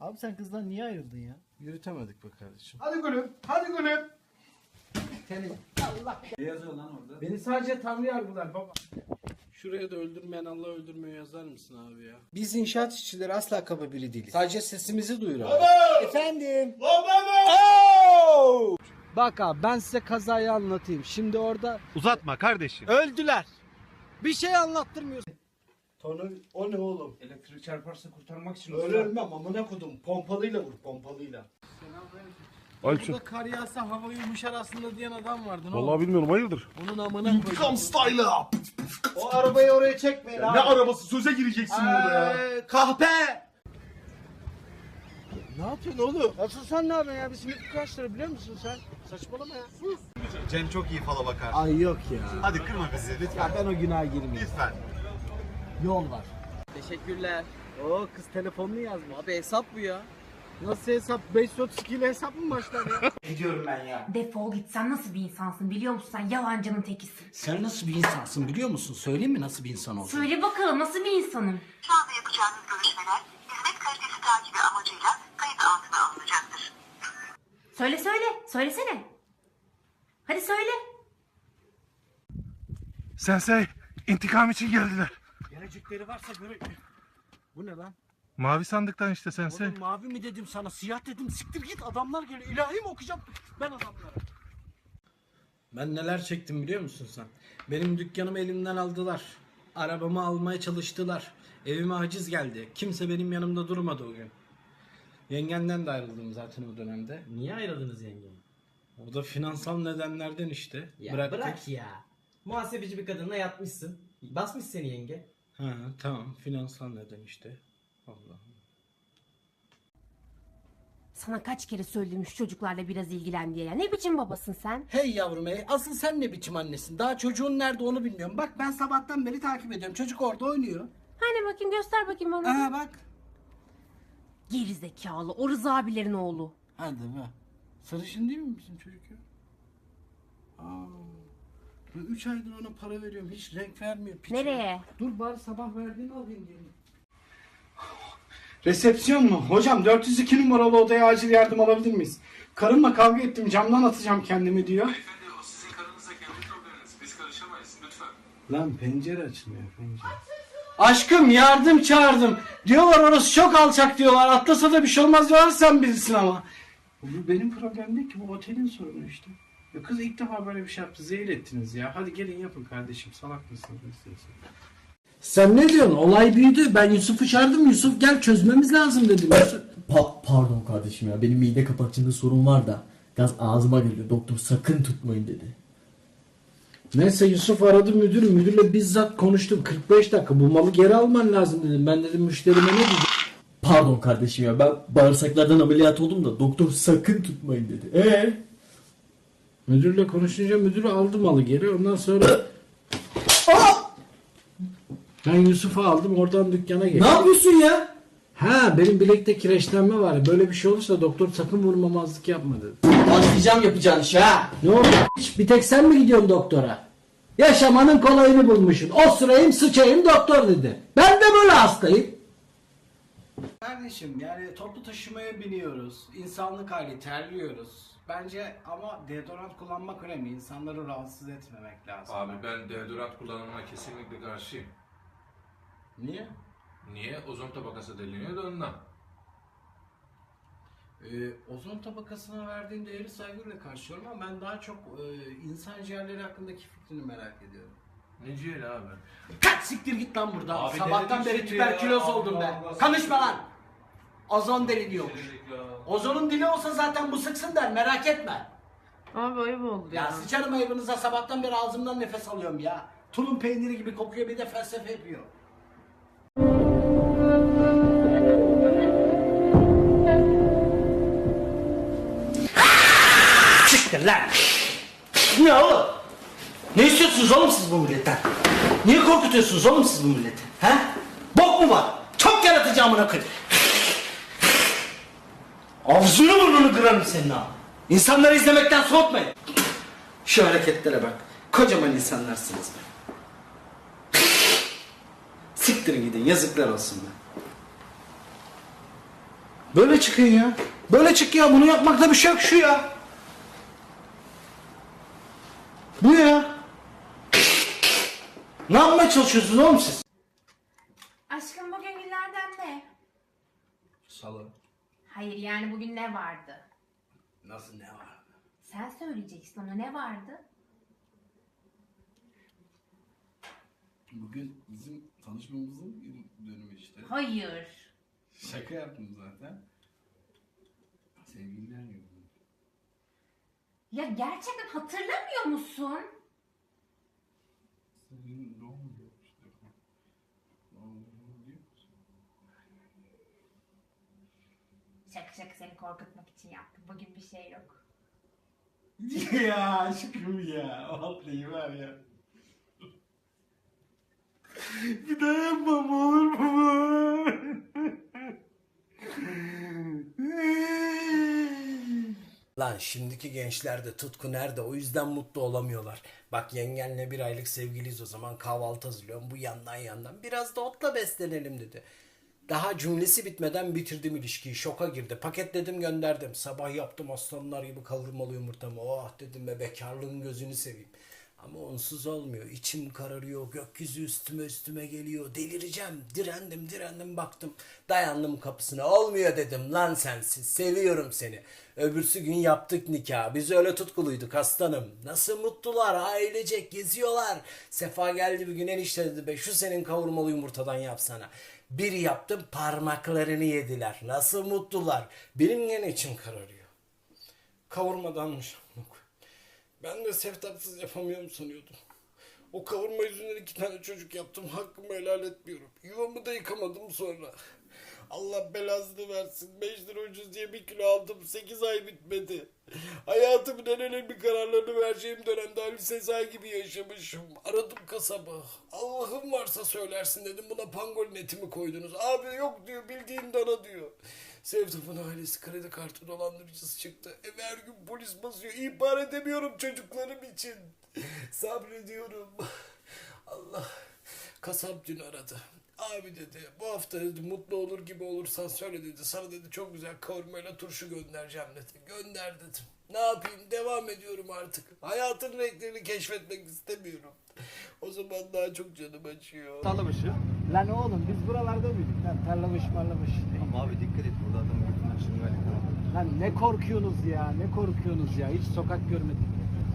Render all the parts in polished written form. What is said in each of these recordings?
Abi sen kızdan niye ayrıldın ya? Yürütemedik be kardeşim. Hadi gülüm, hadi gülüm. Senin. Allah. Ne yazıyor lan orada? Beni sadece Tanrı yargılar baba. Şuraya da öldürmeyen Allah öldürmüyor yazar mısın abi ya? Biz inşaat işçileri asla kaba biri değiliz. Sadece sesimizi duyuralım. Baba! Efendim? Baba! Bak abi ben size kazayı anlatayım. Şimdi orada Uzatma kardeşim. öldüler. Bir şey anlattırmıyorsun. Tonu o ne oğlum? Elektrik çarparsa kurtarmak için. Öyle ölmem amına kodum. Pompalıyla vur pompalıyla. Burada kar yağsa hava yumuşar aslında diyen adam vardı. Ne oldu? bilmiyorum hayırdır. Onun amına İntikam koydum. style'ı. O arabayı oraya çekmeyin abi. Ne arabası? Söze gireceksin burada ya. Kahpe! Ne yapıyorsun oğlum? Asıl sen ne yapıyorsun ya? Bir simit kaç lira biliyor musun sen? Saçmalama ya. Cem çok iyi fala bakar. Ay yok ya. Hadi kırma bizi lütfen. Ya ben o günaha girmeyeyim. Lütfen. Yol var. Teşekkürler. Oo kız telefonunu yazmış. Abi hesap bu ya. Nasıl hesap? 532 ile hesap mı başlar ya? Gidiyorum ben ya. Defol git, sen nasıl bir insansın biliyor musun? Sen yalancının tekisin. Sen nasıl bir insansın biliyor musun? Söyleyeyim mi nasıl bir insan olduğunu? Söyle bakalım, nasıl bir insanım? Şu anda yapacağınız görüşmeler hizmet kalitesi takibi amacıyla kayıt altına alınacaktır. Söylesene. Hadi söyle. Sensei intikam için geldiler. Gelecekleri varsa göre... Bu ne lan? Mavi sandıktan işte sensei. Oğlum mavi mi dedim sana, siyah dedim. Siktir git, adamlar geliyor. İlahi mi okuyacağım ben adamlara? Ben neler çektim biliyor musun sen? Benim dükkanımı elimden aldılar. Arabamı almaya çalıştılar. Evime haciz geldi. Kimse benim yanımda durmadı o gün. Yengenden de ayrıldım zaten o dönemde. Niye ayrıldınız yengem? O da finansal nedenlerden işte. Ya Bıraktık. bırak ya. Muhasebeci bir kadınla yatmışsın. Basmış seni yenge. Ha tamam, finansal neden işte. Allah. Sana kaç kere söyledim şu çocuklarla biraz ilgilen diye ya. Ne biçim babasın sen? Hey yavrum hey, asıl sen ne biçim annesin? Daha çocuğun nerede onu bilmiyorum. Bak ben sabahtan beri takip ediyorum. Çocuk orada oynuyor. Hani bakayım, göster bakayım bana. Aha bak. Geri zekalı, o Rıza abilerin oğlu. Hadi be. Sarışın değil mi bizim çocuk ya? Aa. Ben 3 aydır ona para veriyorum. Hiç renk vermiyor. Piç. Nereye? Dur bari sabah verdiğini alayım diyelim. Resepsiyon mu? Hocam 402 numaralı odaya acil yardım alabilir miyiz? Karımla kavga ettim, camdan atacağım kendimi diyor. Beyefendi o sizin karınızla kendi probleminiz. Biz karışamayız lütfen. Lan pencere açılmıyor pencere. Aşkım yardım çağırdım. Diyorlar orası çok alçak diyorlar. Atlasa da bir şey olmaz diyorlar, sen bilirsin ama. Bu benim problem değil ki, bu otelin sorunu işte. Ya kız ilk defa böyle bir şey yaptı. Zehir ettiniz ya. Hadi gelin yapın kardeşim. Salak mısınız? Sen ne diyorsun? Olay büyüdü. Ben Yusuf'u çağırdım. Yusuf gel çözmemiz lazım dedim. Pardon kardeşim ya, benim mide kapakçığında sorun var da gaz ağzıma geliyor, doktor sakın tutmayın dedi. Neyse Yusuf aradı müdürü. Müdürle bizzat konuştum. 45 dakika bu malı geri alman lazım dedim. Ben dedim müşterime ne diyeceğim? Pardon kardeşim ya, ben bağırsaklardan ameliyat oldum da doktor sakın tutmayın dedi. Müdürle konuşunca müdür aldı malı geri. Ondan sonra ben Yusuf'u aldım, oradan dükkana geçtim. Ne yapıyorsun ya? Ha benim bilekte kireçlenme var. Böyle bir şey olursa doktor sakın vurmamazlık yapma dedi. Başlayacağım yapacağın işe ha. Ne oldu? Bir tek sen mi gidiyorsun doktora? Yaşamanın kolayını bulmuşsun. O sırayım sıçayım doktor dedi. Ben de böyle hastayım. Kardeşim yani toplu taşımaya biniyoruz. İnsanlık hali, terliyoruz. Bence ama deodorant kullanmak önemli. İnsanları rahatsız etmemek lazım. Abi ben deodorant kullanımına kesinlikle karşıyım. Niye? Niye? Ozon tabakası deliniyor da ondan. Ozon tabakasına verdiğin değeri saygıyla karşılıyorum ama ben daha çok insan ciğerleri hakkındaki fikrini merak ediyorum. Ne ciğeri abi? Kaç siktir git lan buradan. Abi Sabahtan denedim beri şimdi ya. tüberküloz oldum be. Allah Allah. Konuşma lan. Ozon deliniyormuş. Denedik ya. Ozonun dili olsa zaten bu sıksın der, merak etme. Abi ayıp oldu Ya sıçarım ayıbınıza, sabahtan beri ağzımdan nefes alıyorum ya. Tulum peyniri gibi kokuyor, bir de felsefe yapıyor. Siktir lan. Ne oğlum? Ne istiyorsunuz oğlum siz bu milletten? Niye korkutuyorsunuz oğlum siz bu milleti? He? Bok mu var? Çok yaratıcı amına koyayım. Ağzını burnunu kırarım senin ha. İnsanları izlemekten soğutmayın. Şu hareketlere bak. Kocaman insanlarsınız be. Siktirin gidin, yazıklar olsun be. Böyle çıkın ya. Böyle çık ya. Bunu yapmakta bir şey yok şu ya. Bu ya. Ne yapmaya çalışıyorsunuz oğlum siz? Aşkım bugün günlerden ne? Salı. Hayır yani bugün ne vardı? Nasıl ne var? Sen söyleyeceksin ona ne vardı? Bugün bizim tanışmamızın dönümü işte. Hayır. Şaka yaptım zaten. Sevgililer günü. Ya gerçekten hatırlamıyor musun? Senin doğum günü işte. Doğum günü diyor musun? Şaka seni korkutmak için yaptım. Bugün bir şey yok. Ya aşkım ya. Vallahi var ya. Bir daha yapmam olur mu? Lan şimdiki gençlerde tutku nerede? O yüzden mutlu olamıyorlar. Bak yengenle bir aylık sevgiliyiz o zaman kahvaltı hazırlıyorum. Bu yandan biraz da otla beslenelim dedi. Daha cümlesi bitmeden bitirdim ilişkiyi. Şoka girdi. Paketledim gönderdim. Sabah yaptım aslanlar gibi kavurmalı yumurtamı. Oh dedim be bekarlığın gözünü seveyim. Ama onsuz olmuyor. İçim kararıyor. Gökyüzü üstüme geliyor. Delireceğim. Direndim baktım. Dayandım kapısına. Olmuyor dedim lan sensiz. Seviyorum seni. Öbürsü gün yaptık nikah. Biz öyle tutkuluyduk aslanım. Nasıl mutlular. Ailecek geziyorlar. Sefa geldi bir gün enişte dedi be şu senin kavurmalı yumurtadan yapsana. Bir yaptım parmaklarını yediler. Nasıl mutlular. Benim gene içim kararıyor. Kavurmadanmış. Ben de seftapsız yapamıyorum sanıyordum. O kavurma yüzünden 2 tane çocuk yaptım. Hakkımı helal etmiyorum. Yuvamı da yıkamadım sonra. Allah belasını versin. 5 lira ucuz diye 1 kilo aldım. 8 ay bitmedi. Hayatımın en önemli kararlarını vereceğim dönemde Ali Sezai gibi yaşamışım. Aradım kasabı. Allah'ım varsa söylersin dedim. Buna pangolin eti mi koydunuz? Abi yok diyor. Bildiğin dana diyor. Sevdap'ın ailesi kredi kartı dolandırıcısı çıktı. Eve her gün polis basıyor. İhbar edemiyorum çocuklarım için. Sabrediyorum. Allah. Kasap dün aradı. Abi dedi bu hafta dedi mutlu olur gibi olursan söyle dedi. Sana dedi çok güzel kavurmayla turşu göndereceğim dedi. Gönder dedim. Ne yapayım devam ediyorum artık. Hayatın renklerini keşfetmek istemiyorum. O zaman daha çok canım acıyor. Tarlabaşı. Lan oğlum biz buralarda mıydık lan? Tarlabaşı marlabaşı. Ama abi dikkat et burada adamın götünden şırınga yakalandı. Lan ne korkuyorsunuz ya? Ne korkuyorsunuz ya? Hiç sokak görmedik.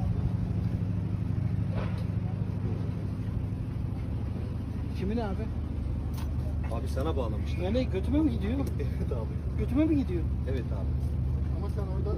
Kimin abi? Abi sana bağlamışlar. Ne götüme mi gidiyor? Evet abi. Götüme mi gidiyor? Evet abi. Ama sen orada...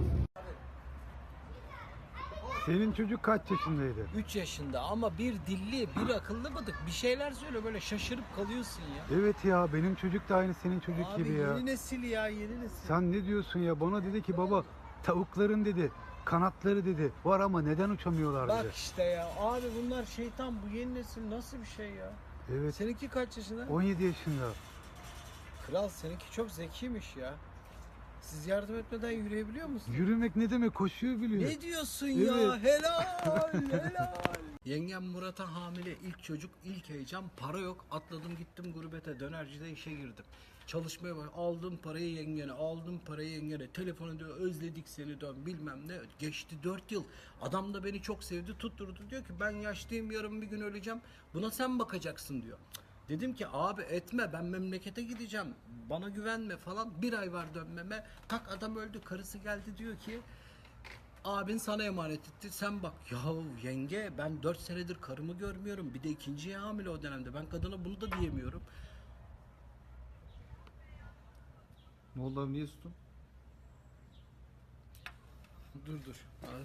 Senin çocuk kaç yaşındaydı? 3 yaşında ama bir dilli, bir akıllı mıdık. Bir şeyler söyle böyle şaşırıp kalıyorsun ya. Evet ya benim çocuk da aynı senin çocuk Abi gibi ya. yeni nesil ya, yeni nesil. Sen ne diyorsun ya? Bana dedi ki baba tavukların dedi kanatları dedi var ama neden uçamıyorlar Bak dedi. işte ya abi bunlar şeytan, bu yeni nesil nasıl bir şey ya? Evet. Seninki kaç yaşında? 17 yaşında. Kral seninki çok zekiymiş ya. Siz yardım etmeden yürüyebiliyor musunuz? Yürümek ne demek? Koşuyor biliyor. Ne diyorsun ya? Evet. Helal. Yengem Murat'a hamile, ilk çocuk, ilk heyecan, para yok. Atladım gittim gurbete, dönercide işe girdim. Çalışmaya bak, aldım parayı yengene, telefon ediyor, özledik seni dön bilmem ne. Geçti 4 yıl, adam da beni çok sevdi, tutturdu, diyor ki ben yaşlıyım, yarın bir gün öleceğim, buna sen bakacaksın diyor. Dedim ki abi etme, ben memlekete gideceğim, bana güvenme falan. 1 ay var dönmeme, tak adam öldü, karısı geldi diyor ki abin sana emanet etti, sen bak. Yahu yenge, ben 4 senedir karımı görmüyorum, bir de ikinciye hamile o dönemde, ben kadına bunu da diyemiyorum. Ne oldu abi niye sustun? Dur.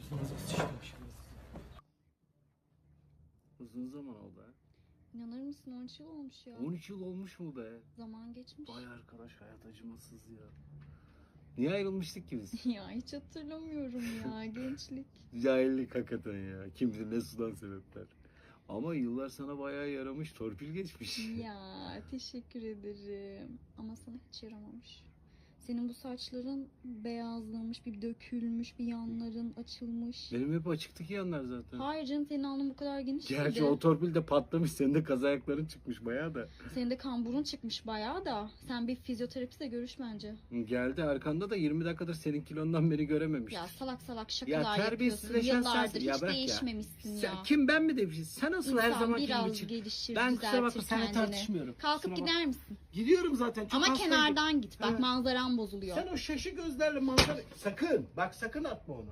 Uzun zaman oldu ha. İnanır mısın 13 yıl olmuş ya. 13 yıl olmuş mu be? Zaman geçmiş. Vay arkadaş, hayat acımasız ya. Niye ayrılmıştık ki biz? Ya hiç hatırlamıyorum ya gençlik. Cahillik hakikaten ya. Kim bilir ne sudan sebepler. Ama yıllar sana bayağı yaramış, torpil geçmiş. Ya teşekkür ederim. Ama sana hiç yaramamış. Senin bu saçların beyazlamış, bir dökülmüş, bir yanların açılmış. Benim hep açıktı ki yanlar zaten. Hayır canım, senin alnın bu kadar geniş Gerçi değildi. o torpil de patlamış. Senin de kaz ayakların çıkmış bayağı da. Senin de kamburun çıkmış bayağı da. Sen bir fizyoterapistle görüş bence. Geldi arkanda da 20 dakikadır senin kilondan beni görememiş. Ya salak salak Ya şakalar yapıyorsun. terbiyesizleşen Yıllardır sensin. Ya hiç bırak ya. değişmemişsin Sen, ya. kim ben mi demişsin? Sen nasıl her İnsan zaman gibi biraz çık. gelişir, Ben kusura bakma düzeltir seninle kendini. tartışmıyorum. Kalkıp Kusura gider misin? Gidiyorum zaten. Çok Ama hastaydım. kenardan git. Bak Evet. manzaran bozuluyor. Sen o şaşı gözlerle manzara... Sakın. Bak sakın atma onu.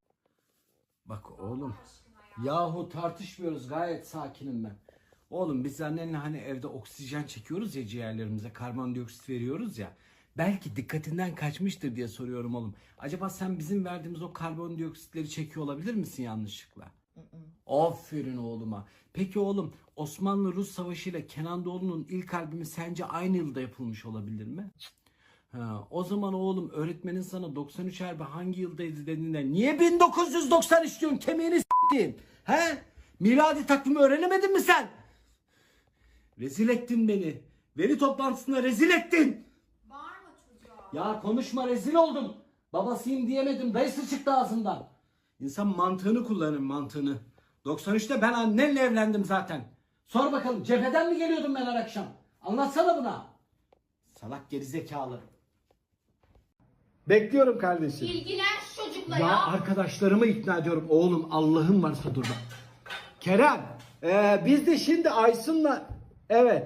Bak oğlum. Yahu tartışmıyoruz. Gayet sakinim ben. Oğlum biz annenle hani evde oksijen çekiyoruz ya ciğerlerimize. Karbondioksit veriyoruz ya. Belki dikkatinden kaçmıştır diye soruyorum oğlum. Acaba sen bizim verdiğimiz o karbondioksitleri çekiyor olabilir misin yanlışlıkla? Aferin oğluma. Peki oğlum Osmanlı-Rus Savaşı ile Kenan Doğulu'nun ilk albümü sence aynı yılda yapılmış olabilir mi? Ha, o zaman oğlum öğretmenin sana 93 harbi hangi yıldaydı dediğinde niye 1993 diyorsun, kemiğini s**tin? He? Miladi takvimi öğrenemedin mi sen? Rezil ettin beni. Veri toplantısında rezil ettin. Bağırma çocuğa. Ya konuşma, rezil oldum. Babasıyım diyemedim, dayısı çıktı ağzından. İnsan mantığını kullanır, mantığını. 93'te ben annenle evlendim zaten. Sor bakalım cepheden mi geliyordum ben her akşam? Anlatsana buna. Salak gerizekalı. Bekliyorum kardeşim. İlgilen şu çocukla Ya arkadaşlarımı ikna ediyorum. Oğlum Allah'ın varsa dur bak. Kerem, biz de şimdi Aysun'la evet.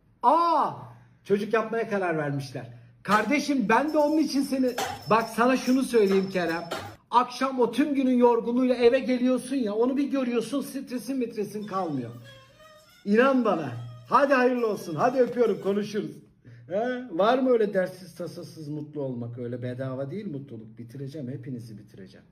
Çocuk yapmaya karar vermişler. Kardeşim ben de onun için seni... Bak sana şunu söyleyeyim Kerem. Akşam o tüm günün yorgunluğuyla eve geliyorsun ya, onu bir görüyorsun, stresin kalmıyor. İnan bana. Hadi hayırlı olsun. Hadi öpüyorum, konuşuruz. He? Var mı öyle derssiz tasasız mutlu olmak? Öyle bedava değil mutluluk. Bitireceğim, hepinizi bitireceğim.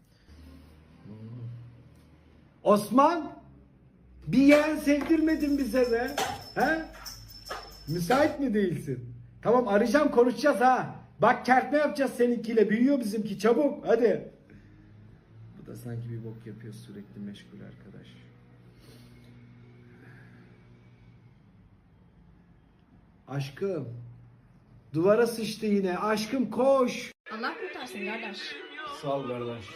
Osman, bir yeğen sevdirmedin bize be. He? Müsait mi değilsin? Tamam, arayacağım, konuşacağız ha. Bak kertme yapacağız seninkiyle. Büyüyor bizimki, çabuk hadi. Bu da sanki bir bok yapıyor, sürekli meşgul arkadaş. Aşkım. Duvara sıçtı yine. Aşkım koş. Allah kurtarsın kardeş. Sağ ol kardeş.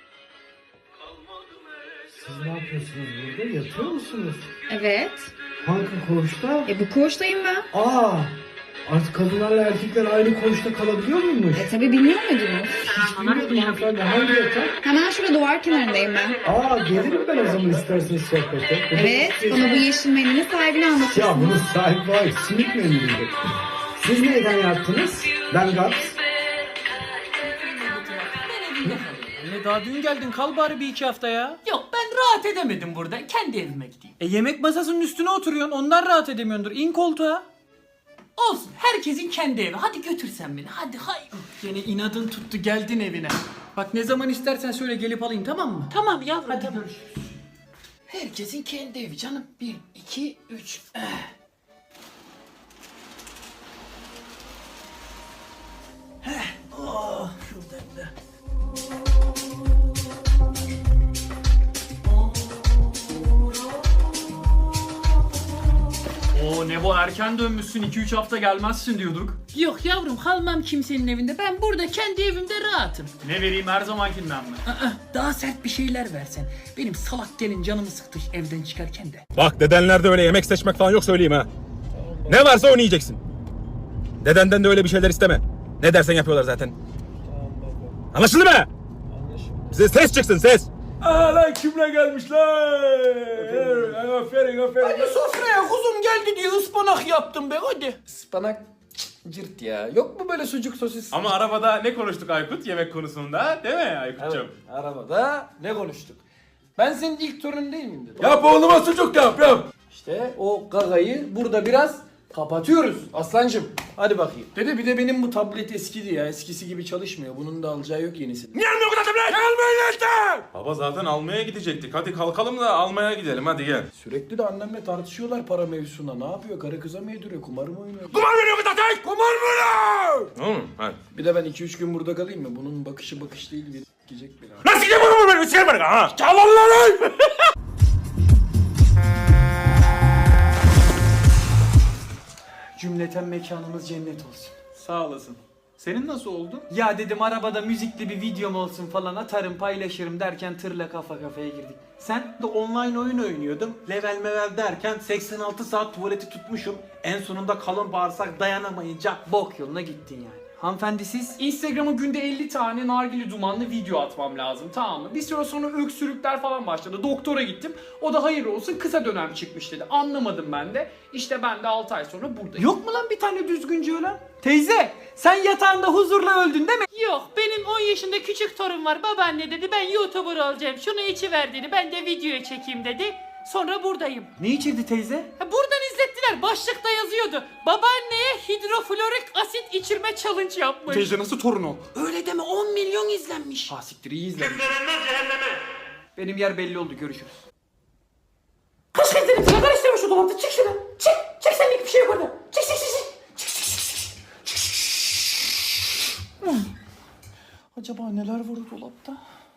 Siz ne yapıyorsunuz burada? Yatıyor musunuz? Evet. Hangi koğuşta? Bu koğuştayım ben. Artık kadınlarla erkekler aynı koğuşta kalabiliyor muymuş? Tabii bilmiyor muydunuz? Hiç bilmiyordum hanımefendi. Hangi yatak? Hemen şurada duvar kenarındayım ben. Gelirim ben o zaman isterseniz sohbete. Evet, bana bu yeşil mendilin sahibini anlatıyorsun. Ya bunun sahibi var. Simit mendiliydi. Siz neyden yattınız? Ben Gaps. Anne daha dün geldin, kal bari bir iki hafta ya. Yok ben rahat edemedim burada. Kendi evime gideyim. Yemek masasının üstüne oturuyorsun, ondan rahat edemiyordur. İn koltuğa. Olsun. Herkesin kendi evi. Hadi götür sen beni. Hadi hay. Gene inadın tuttu, geldin evine. Bak ne zaman istersen söyle, gelip alayım, tamam mı? Tamam yavrum. Hadi tamam. görüşürüz. Herkesin kendi evi canım. 1, 2, 3. Şuradan da. Oo Nebo erken dönmüşsün 2-3 hafta gelmezsin diyorduk. Yok yavrum, kalmam kimsenin evinde. Ben burada kendi evimde rahatım. Ne vereyim her zamankinden mi? Daha sert bir şeyler versen. Benim salak gelin canımı sıktı evden çıkarken de. Bak dedenlerde öyle yemek seçmek falan yok söyleyeyim ha. Ne varsa onu yiyeceksin. Dedenden de öyle bir şeyler isteme. Ne dersen yapıyorlar zaten. Anlaşıldı mı? Bize ses çıksın ses. Lan kimle gelmişler? Aferin. Hadi sofraya kuzum geldi diye ıspanak yaptım be hadi. Ispanak cırt ya. Yok mu böyle sucuk sosis? Ama arabada ne konuştuk Aykut yemek konusunda değil mi Aykut'cum? Evet, arabada ne konuştuk? Ben senin ilk torunun değil miyim dedim. Yap oğluma sucuk yap. İşte o gagayı burada biraz kapatıyoruz aslancım. Hadi bakayım. Dede bir de benim bu tablet eskidi ya. Eskisi gibi çalışmıyor. Bunun da alacağı yok yenisi. Niye almıyor bu kadar tablet? Gelmeyin işte. Baba zaten almaya gidecektik. Hadi kalkalım da almaya gidelim hadi gel. Sürekli de annemle tartışıyorlar para mevzusunda. Ne yapıyor? Karı kıza mı yediriyor? Kumar mı oynuyor? Kumar veriyor bu zaten. Kumar mı lan? Oğlum hadi. Bir de ben 2-3 gün burada kalayım mı? Bunun bakışı bakış değil. Bir gidecek beni. Nasıl gideyim bunu böyle? Sikerim beni ha. Çalın lan. Cümleten mekanımız cennet olsun. Sağ olasın. Senin nasıl oldu? Ya dedim arabada müzikli bir videom olsun falan atarım paylaşırım derken tırla kafa kafaya girdik. Sen de online oyun oynuyordum. Level mevel derken 86 saat tuvaleti tutmuşum. En sonunda kalın bağırsak dayanamayınca bok yoluna gittin yani. Hanımefendi siz? Instagram'a günde 50 tane nargile dumanlı video atmam lazım, tamam mı? Bir süre sonra öksürükler falan başladı. Doktora gittim. O da hayır olsun kısa dönem çıkmış dedi. Anlamadım ben de. İşte ben de 6 ay sonra buradayım. Yok mu lan bir tane düzgünce ölen? Teyze sen yatağında huzurla öldün değil mi? Yok, benim 10 yaşında küçük torun var. Babaanne dedi ben YouTuber olacağım. Şunu içiver dedi. Ben de videoya çekeyim dedi. Sonra buradayım. Ne içirdi teyze? Buradan izlettiler. Başlıkta yazıyordu. Babaanneye hidroflorik asit içirme challenge yapmış. Teyze nasıl torun o? Öyle deme, 10 milyon izlenmiş. Ha siktir iyi izlemiş. Benim yer belli oldu, görüşürüz. Kaç kez dedim sana karıştırma şu dolapta. Çık şuradan. Çık. Çık, senlik bir şey yok orada. Çık çık çık çık. Acaba neler var o dolapta?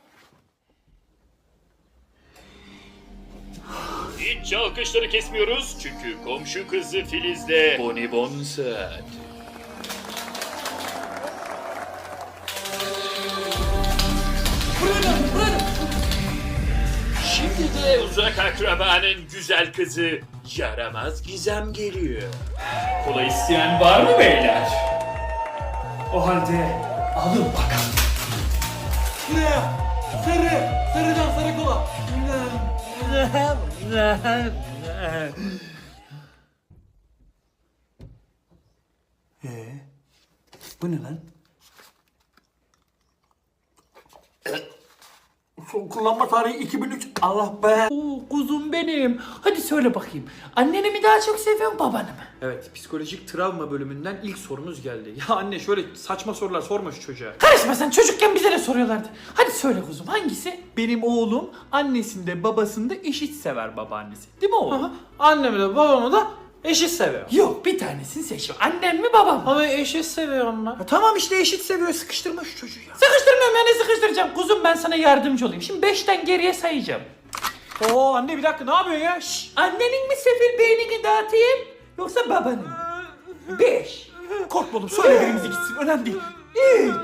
Hiç alkışları kesmiyoruz çünkü komşu kızı Filiz'le bonibon saat. Şimdi de uzak akrabanın güzel kızı yaramaz Gizem geliyor. Kola isteyen var mı beyler? O halde alın bakalım. Şuraya sarıdan sarı kola. Bu ne lan? Son kullanma tarihi 2003. Allah be. Oo, kuzum benim. Hadi söyle bakayım. Anneni mi daha çok seviyorsun, babanı mı? Evet, psikolojik travma bölümünden ilk sorumuz geldi. Ya anne şöyle saçma sorular sorma şu çocuğa. Karışma sen, çocukken bize de soruyorlardı. Hadi söyle kuzum, hangisi? Benim oğlum annesinde babasında eşit sever babaannesi. Değil mi oğlum? Annemi de babamı da eşit seviyor. Yok, bir tanesini seç. Annem mi babam mı? Ama eşit seviyor onlar. Tamam işte eşit seviyor, sıkıştırma şu çocuğu ya. Sıkıştırmıyorum ya, ne sıkıştıracağım? Kuzum ben sana yardımcı olayım. Şimdi 5'ten geriye sayacağım. Oo anne bir dakika ne yapıyorsun ya? Şşş. Annenin mi sefil beynini dağıtayım yoksa babanın mı? 5. Korkma oğlum söyle birimizi gitsin önemli değil. 3.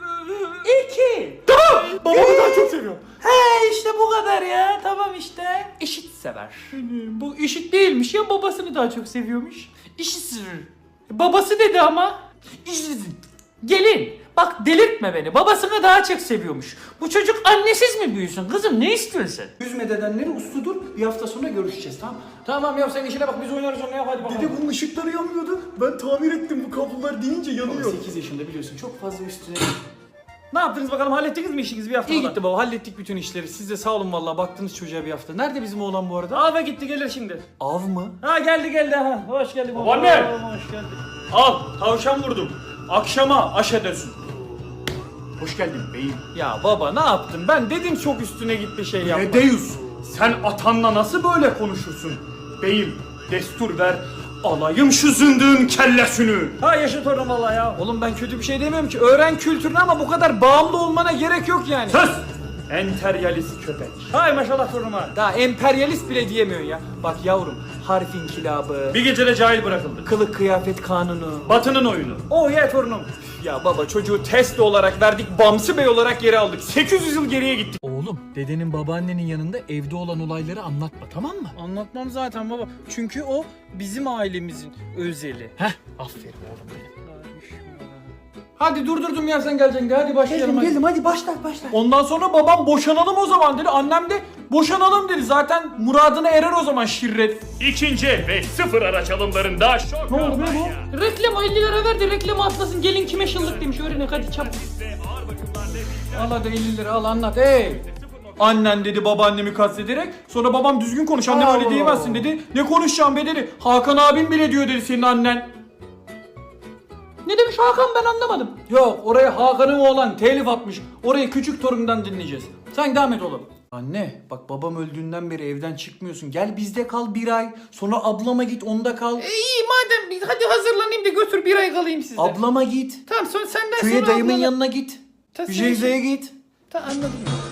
2. Tamam. Babamı daha çok seviyor. He işte bu kadar ya. Tamam işte. Eşit sever. Bu eşit değilmiş ya, babasını daha çok seviyormuş. Eşit. Babası dedi ama. Gelin. Bak delirtme beni. Babasını daha çok seviyormuş. Bu çocuk annesiz mi büyüsün? Kızım ne istiyorsun sen? Üzme dedenleri usludur. Bir hafta sonra görüşeceğiz tamam. Tamam ya sen işine bak biz oynarız onu ya hadi bakalım. Dede bunun ışıkları yanmıyordu. Ben tamir ettim, bu kablolar deyince yanıyor. 8 yaşında biliyorsun çok fazla üstüne. Ne yaptınız bakalım, hallettiniz mi işinizi bir hafta? İyi gitti baba, hallettik bütün işleri. Siz de sağ olun vallahi, baktınız çocuğa bir hafta. Nerede bizim oğlan bu arada? Ava gitti, gelir şimdi. Av mı? Ha geldi ha. Hoş geldin baba. Babaanne! Hoş geldin. Al tavşan vurdum. Akşama aş edersin. Hoş geldin beyim. Ya baba ne yaptın? Ben dedim çok üstüne gitti şey yapma. Deus sen atanla nasıl böyle konuşursun? Beyim destur ver. Alayım şu zındığın kellesini. Ha yaşa torun valla ya. Oğlum ben kötü bir şey demiyorum ki. Öğren kültürünü ama bu kadar bağımlı olmana gerek yok yani. Sus! Enteryalist köpek. Hay maşallah torunuma. Daha emperyalist bile diyemiyorsun ya. Bak yavrum harf inkılabı, Bir gecede cahil bırakıldı. kılık kıyafet kanunu. Batının oyunu. Oh ye torunum. Ya baba çocuğu test olarak verdik, Bamsı Bey olarak geri aldık. 800 yıl geriye gittik. Oğlum dedenin babaannenin yanında evde olan olayları anlatma tamam mı? Anlatmam zaten baba. Çünkü o bizim ailemizin özeli. Heh aferin oğlum benim. Hadi durdurdum ya sen geleceksin de hadi başlayalım. Geldim hadi başla. Ondan sonra babam boşanalım o zaman dedi. Annem de boşanalım dedi. Zaten muradına erer o zaman şirret. İkinci el ve sıfır araç alımlarında şok Ne oldu be kampanya. bu? Reklam 50 lira ver de reklamı atlasın. Gelin kime şıllık demiş. Öğrenek hadi çabuk. Al hadi 50 lira al anlat. Hey. Annen dedi babaannemi kastederek. Sonra babam düzgün konuş annem öyle diyemezsin dedi. Ne konuşacağım be dedi. Hakan abim bile diyor dedi senin annen. Ne demiş Hakan, ben anlamadım. Yok oraya Hakan'ın oğlan telif atmış. Orayı küçük torundan dinleyeceğiz. Sen devam et oğlum. Anne bak babam öldüğünden beri evden çıkmıyorsun. Gel bizde kal bir ay. Sonra ablama git onda kal. İyi madem hadi hazırlanayım da götür bir ay kalayım sizde. Ablama git. Tamam sonra senden Köye sonra dayımın ablana- yanına git. Ta sen- Jeyze'ye git. Ta anladım.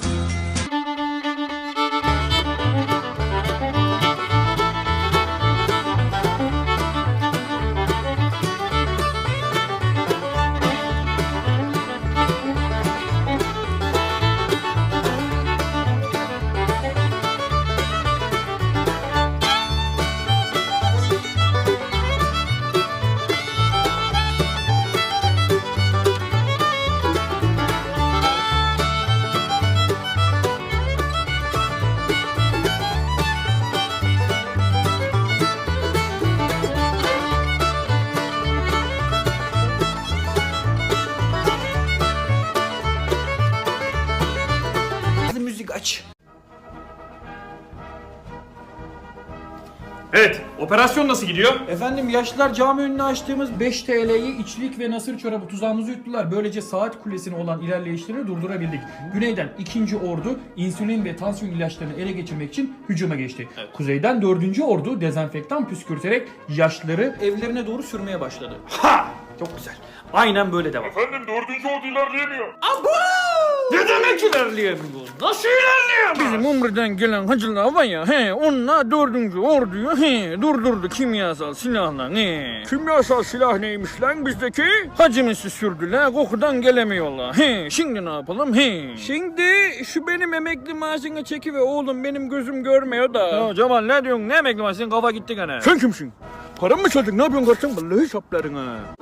Evet, operasyon nasıl gidiyor? Efendim yaşlılar cami önüne açtığımız 5 TL'yi içlik ve nasır çorabı tuzağımızı yuttular. Böylece saat kulesine olan ilerleyişlerini durdurabildik. Güneyden 2. Ordu insülin ve tansiyon ilaçlarını ele geçirmek için hücuma geçti. Kuzeyden 4. Ordu dezenfektan püskürterek yaşlıları evlerine doğru sürmeye başladı. Ha! Çok güzel. Aynen böyle devam. Efendim 4. ordu ilerleyemiyor. Abo! Ne demek ilerleyemiyor? Nasıl ilerleyemiyor? Bizim Umre'den gelen hacılar var ya, onlar 4. orduyu durdurdu kimyasal silahla. Kimyasal silah neymiş lan bizdeki? Hacımızı sürdüler, kokudan gelemiyorlar. Şimdi ne yapalım? Şimdi şu benim emekli maaşını çeki ve oğlum benim gözüm görmüyor da. Ya Cemal ne diyorsun? Ne emekli maaşı? Senin kafa gitti gene. Sen kimsin? Param mı çaldın? Ne yapıyorsun kardeşim? Vallahi saplarına.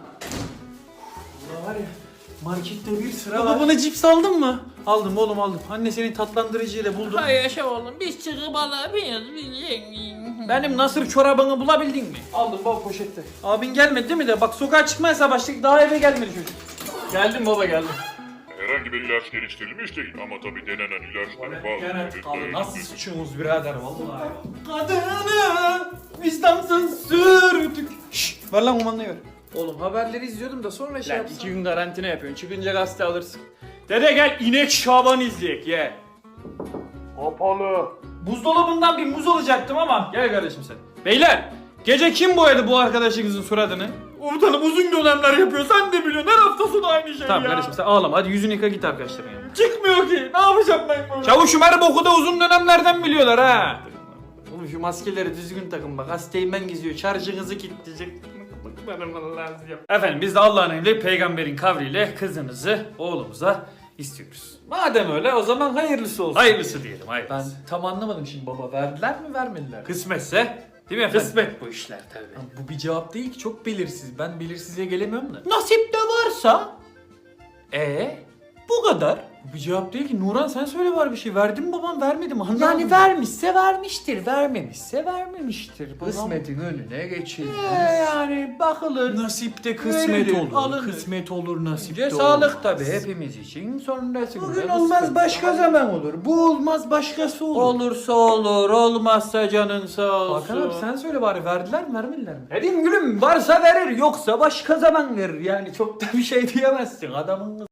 Var ya markette bir sıra var. Bana cips aldın mı? Aldım oğlum aldım. Anne senin tatlandırıcıyla buldum. Hay yaşa oğlum biz çıkıp alabiliriz. Benim nasır çorabını bulabildin mi? Aldım baba poşette. Abin gelmedi değil mi de? Bak sokağa çıkmaya başladık daha eve gelmedi çocuk. Geldim baba geldim. Herhangi bir ilaç geliştirilmiş değil ama tabii denenen ilaçları bazı. Abi nasıl sıçıyorsunuz birader vallahi. Kadını vicdansız sürdük. Şşş ver lan kumandayı ver. Oğlum haberleri izliyordum da sonra şey yapsam. 2 gün karantina yapıyorsun. Çıkınca gazete alırsın. Dede gel inek Şaban izleyek ye. Kapalı. Buzdolabından bir muz alacaktım ama. Gel kardeşim sen. Beyler gece kim boyadı bu arkadaşınızın suratını? Komutanım uzun dönemler yapıyor sen de biliyorsun her hafta sonu aynı şey tamam, ya. Kardeşim sen ağlama hadi yüzünü yıka git arkadaşların yanına. Çıkmıyor ki ne yapacağım ben bunu? Çavuşum her boku da uzun dönemlerden biliyorlar ha. Oğlum şu maskeleri düzgün takın bak hastayım ben geziyor şarjınızı kilitleyecek. Efendim biz de Allah'ın emri peygamberin kavliyle kızınızı oğlumuza istiyoruz. Madem öyle o zaman hayırlısı olsun. Hayırlısı diyelim hayırlısı. Ben tam anlamadım şimdi baba verdiler mi vermediler mi? Kısmetse değil mi efendim? Kısmet bu işler tabii. Bu bir cevap değil ki çok belirsiz. Ben belirsizliğe gelemiyorum da. Nasip de varsa. Bu kadar. Bu bir cevap değil ki. Nuran sen söyle var bir şey. Verdi mi babam vermedi mi? Anlamadım. Yani vermişse vermiştir, vermemişse vermemiştir. Kısmetin önüne geçilmez. Yani bakılır. Nasipte kısmet Verilir, olur. alınır. Kısmet olur nasipte Önce olur. sağlık tabii hepimiz için. Sonrasında Bugün olmaz başka zaman olur. Bu olmaz başkası olur. Olursa olur, olmazsa canın sağ olsun. Hakan abi sen söyle bari verdiler mi vermediler mi? Dedim gülüm varsa verir yoksa başka zaman verir. Yani çok da bir şey diyemezsin adamın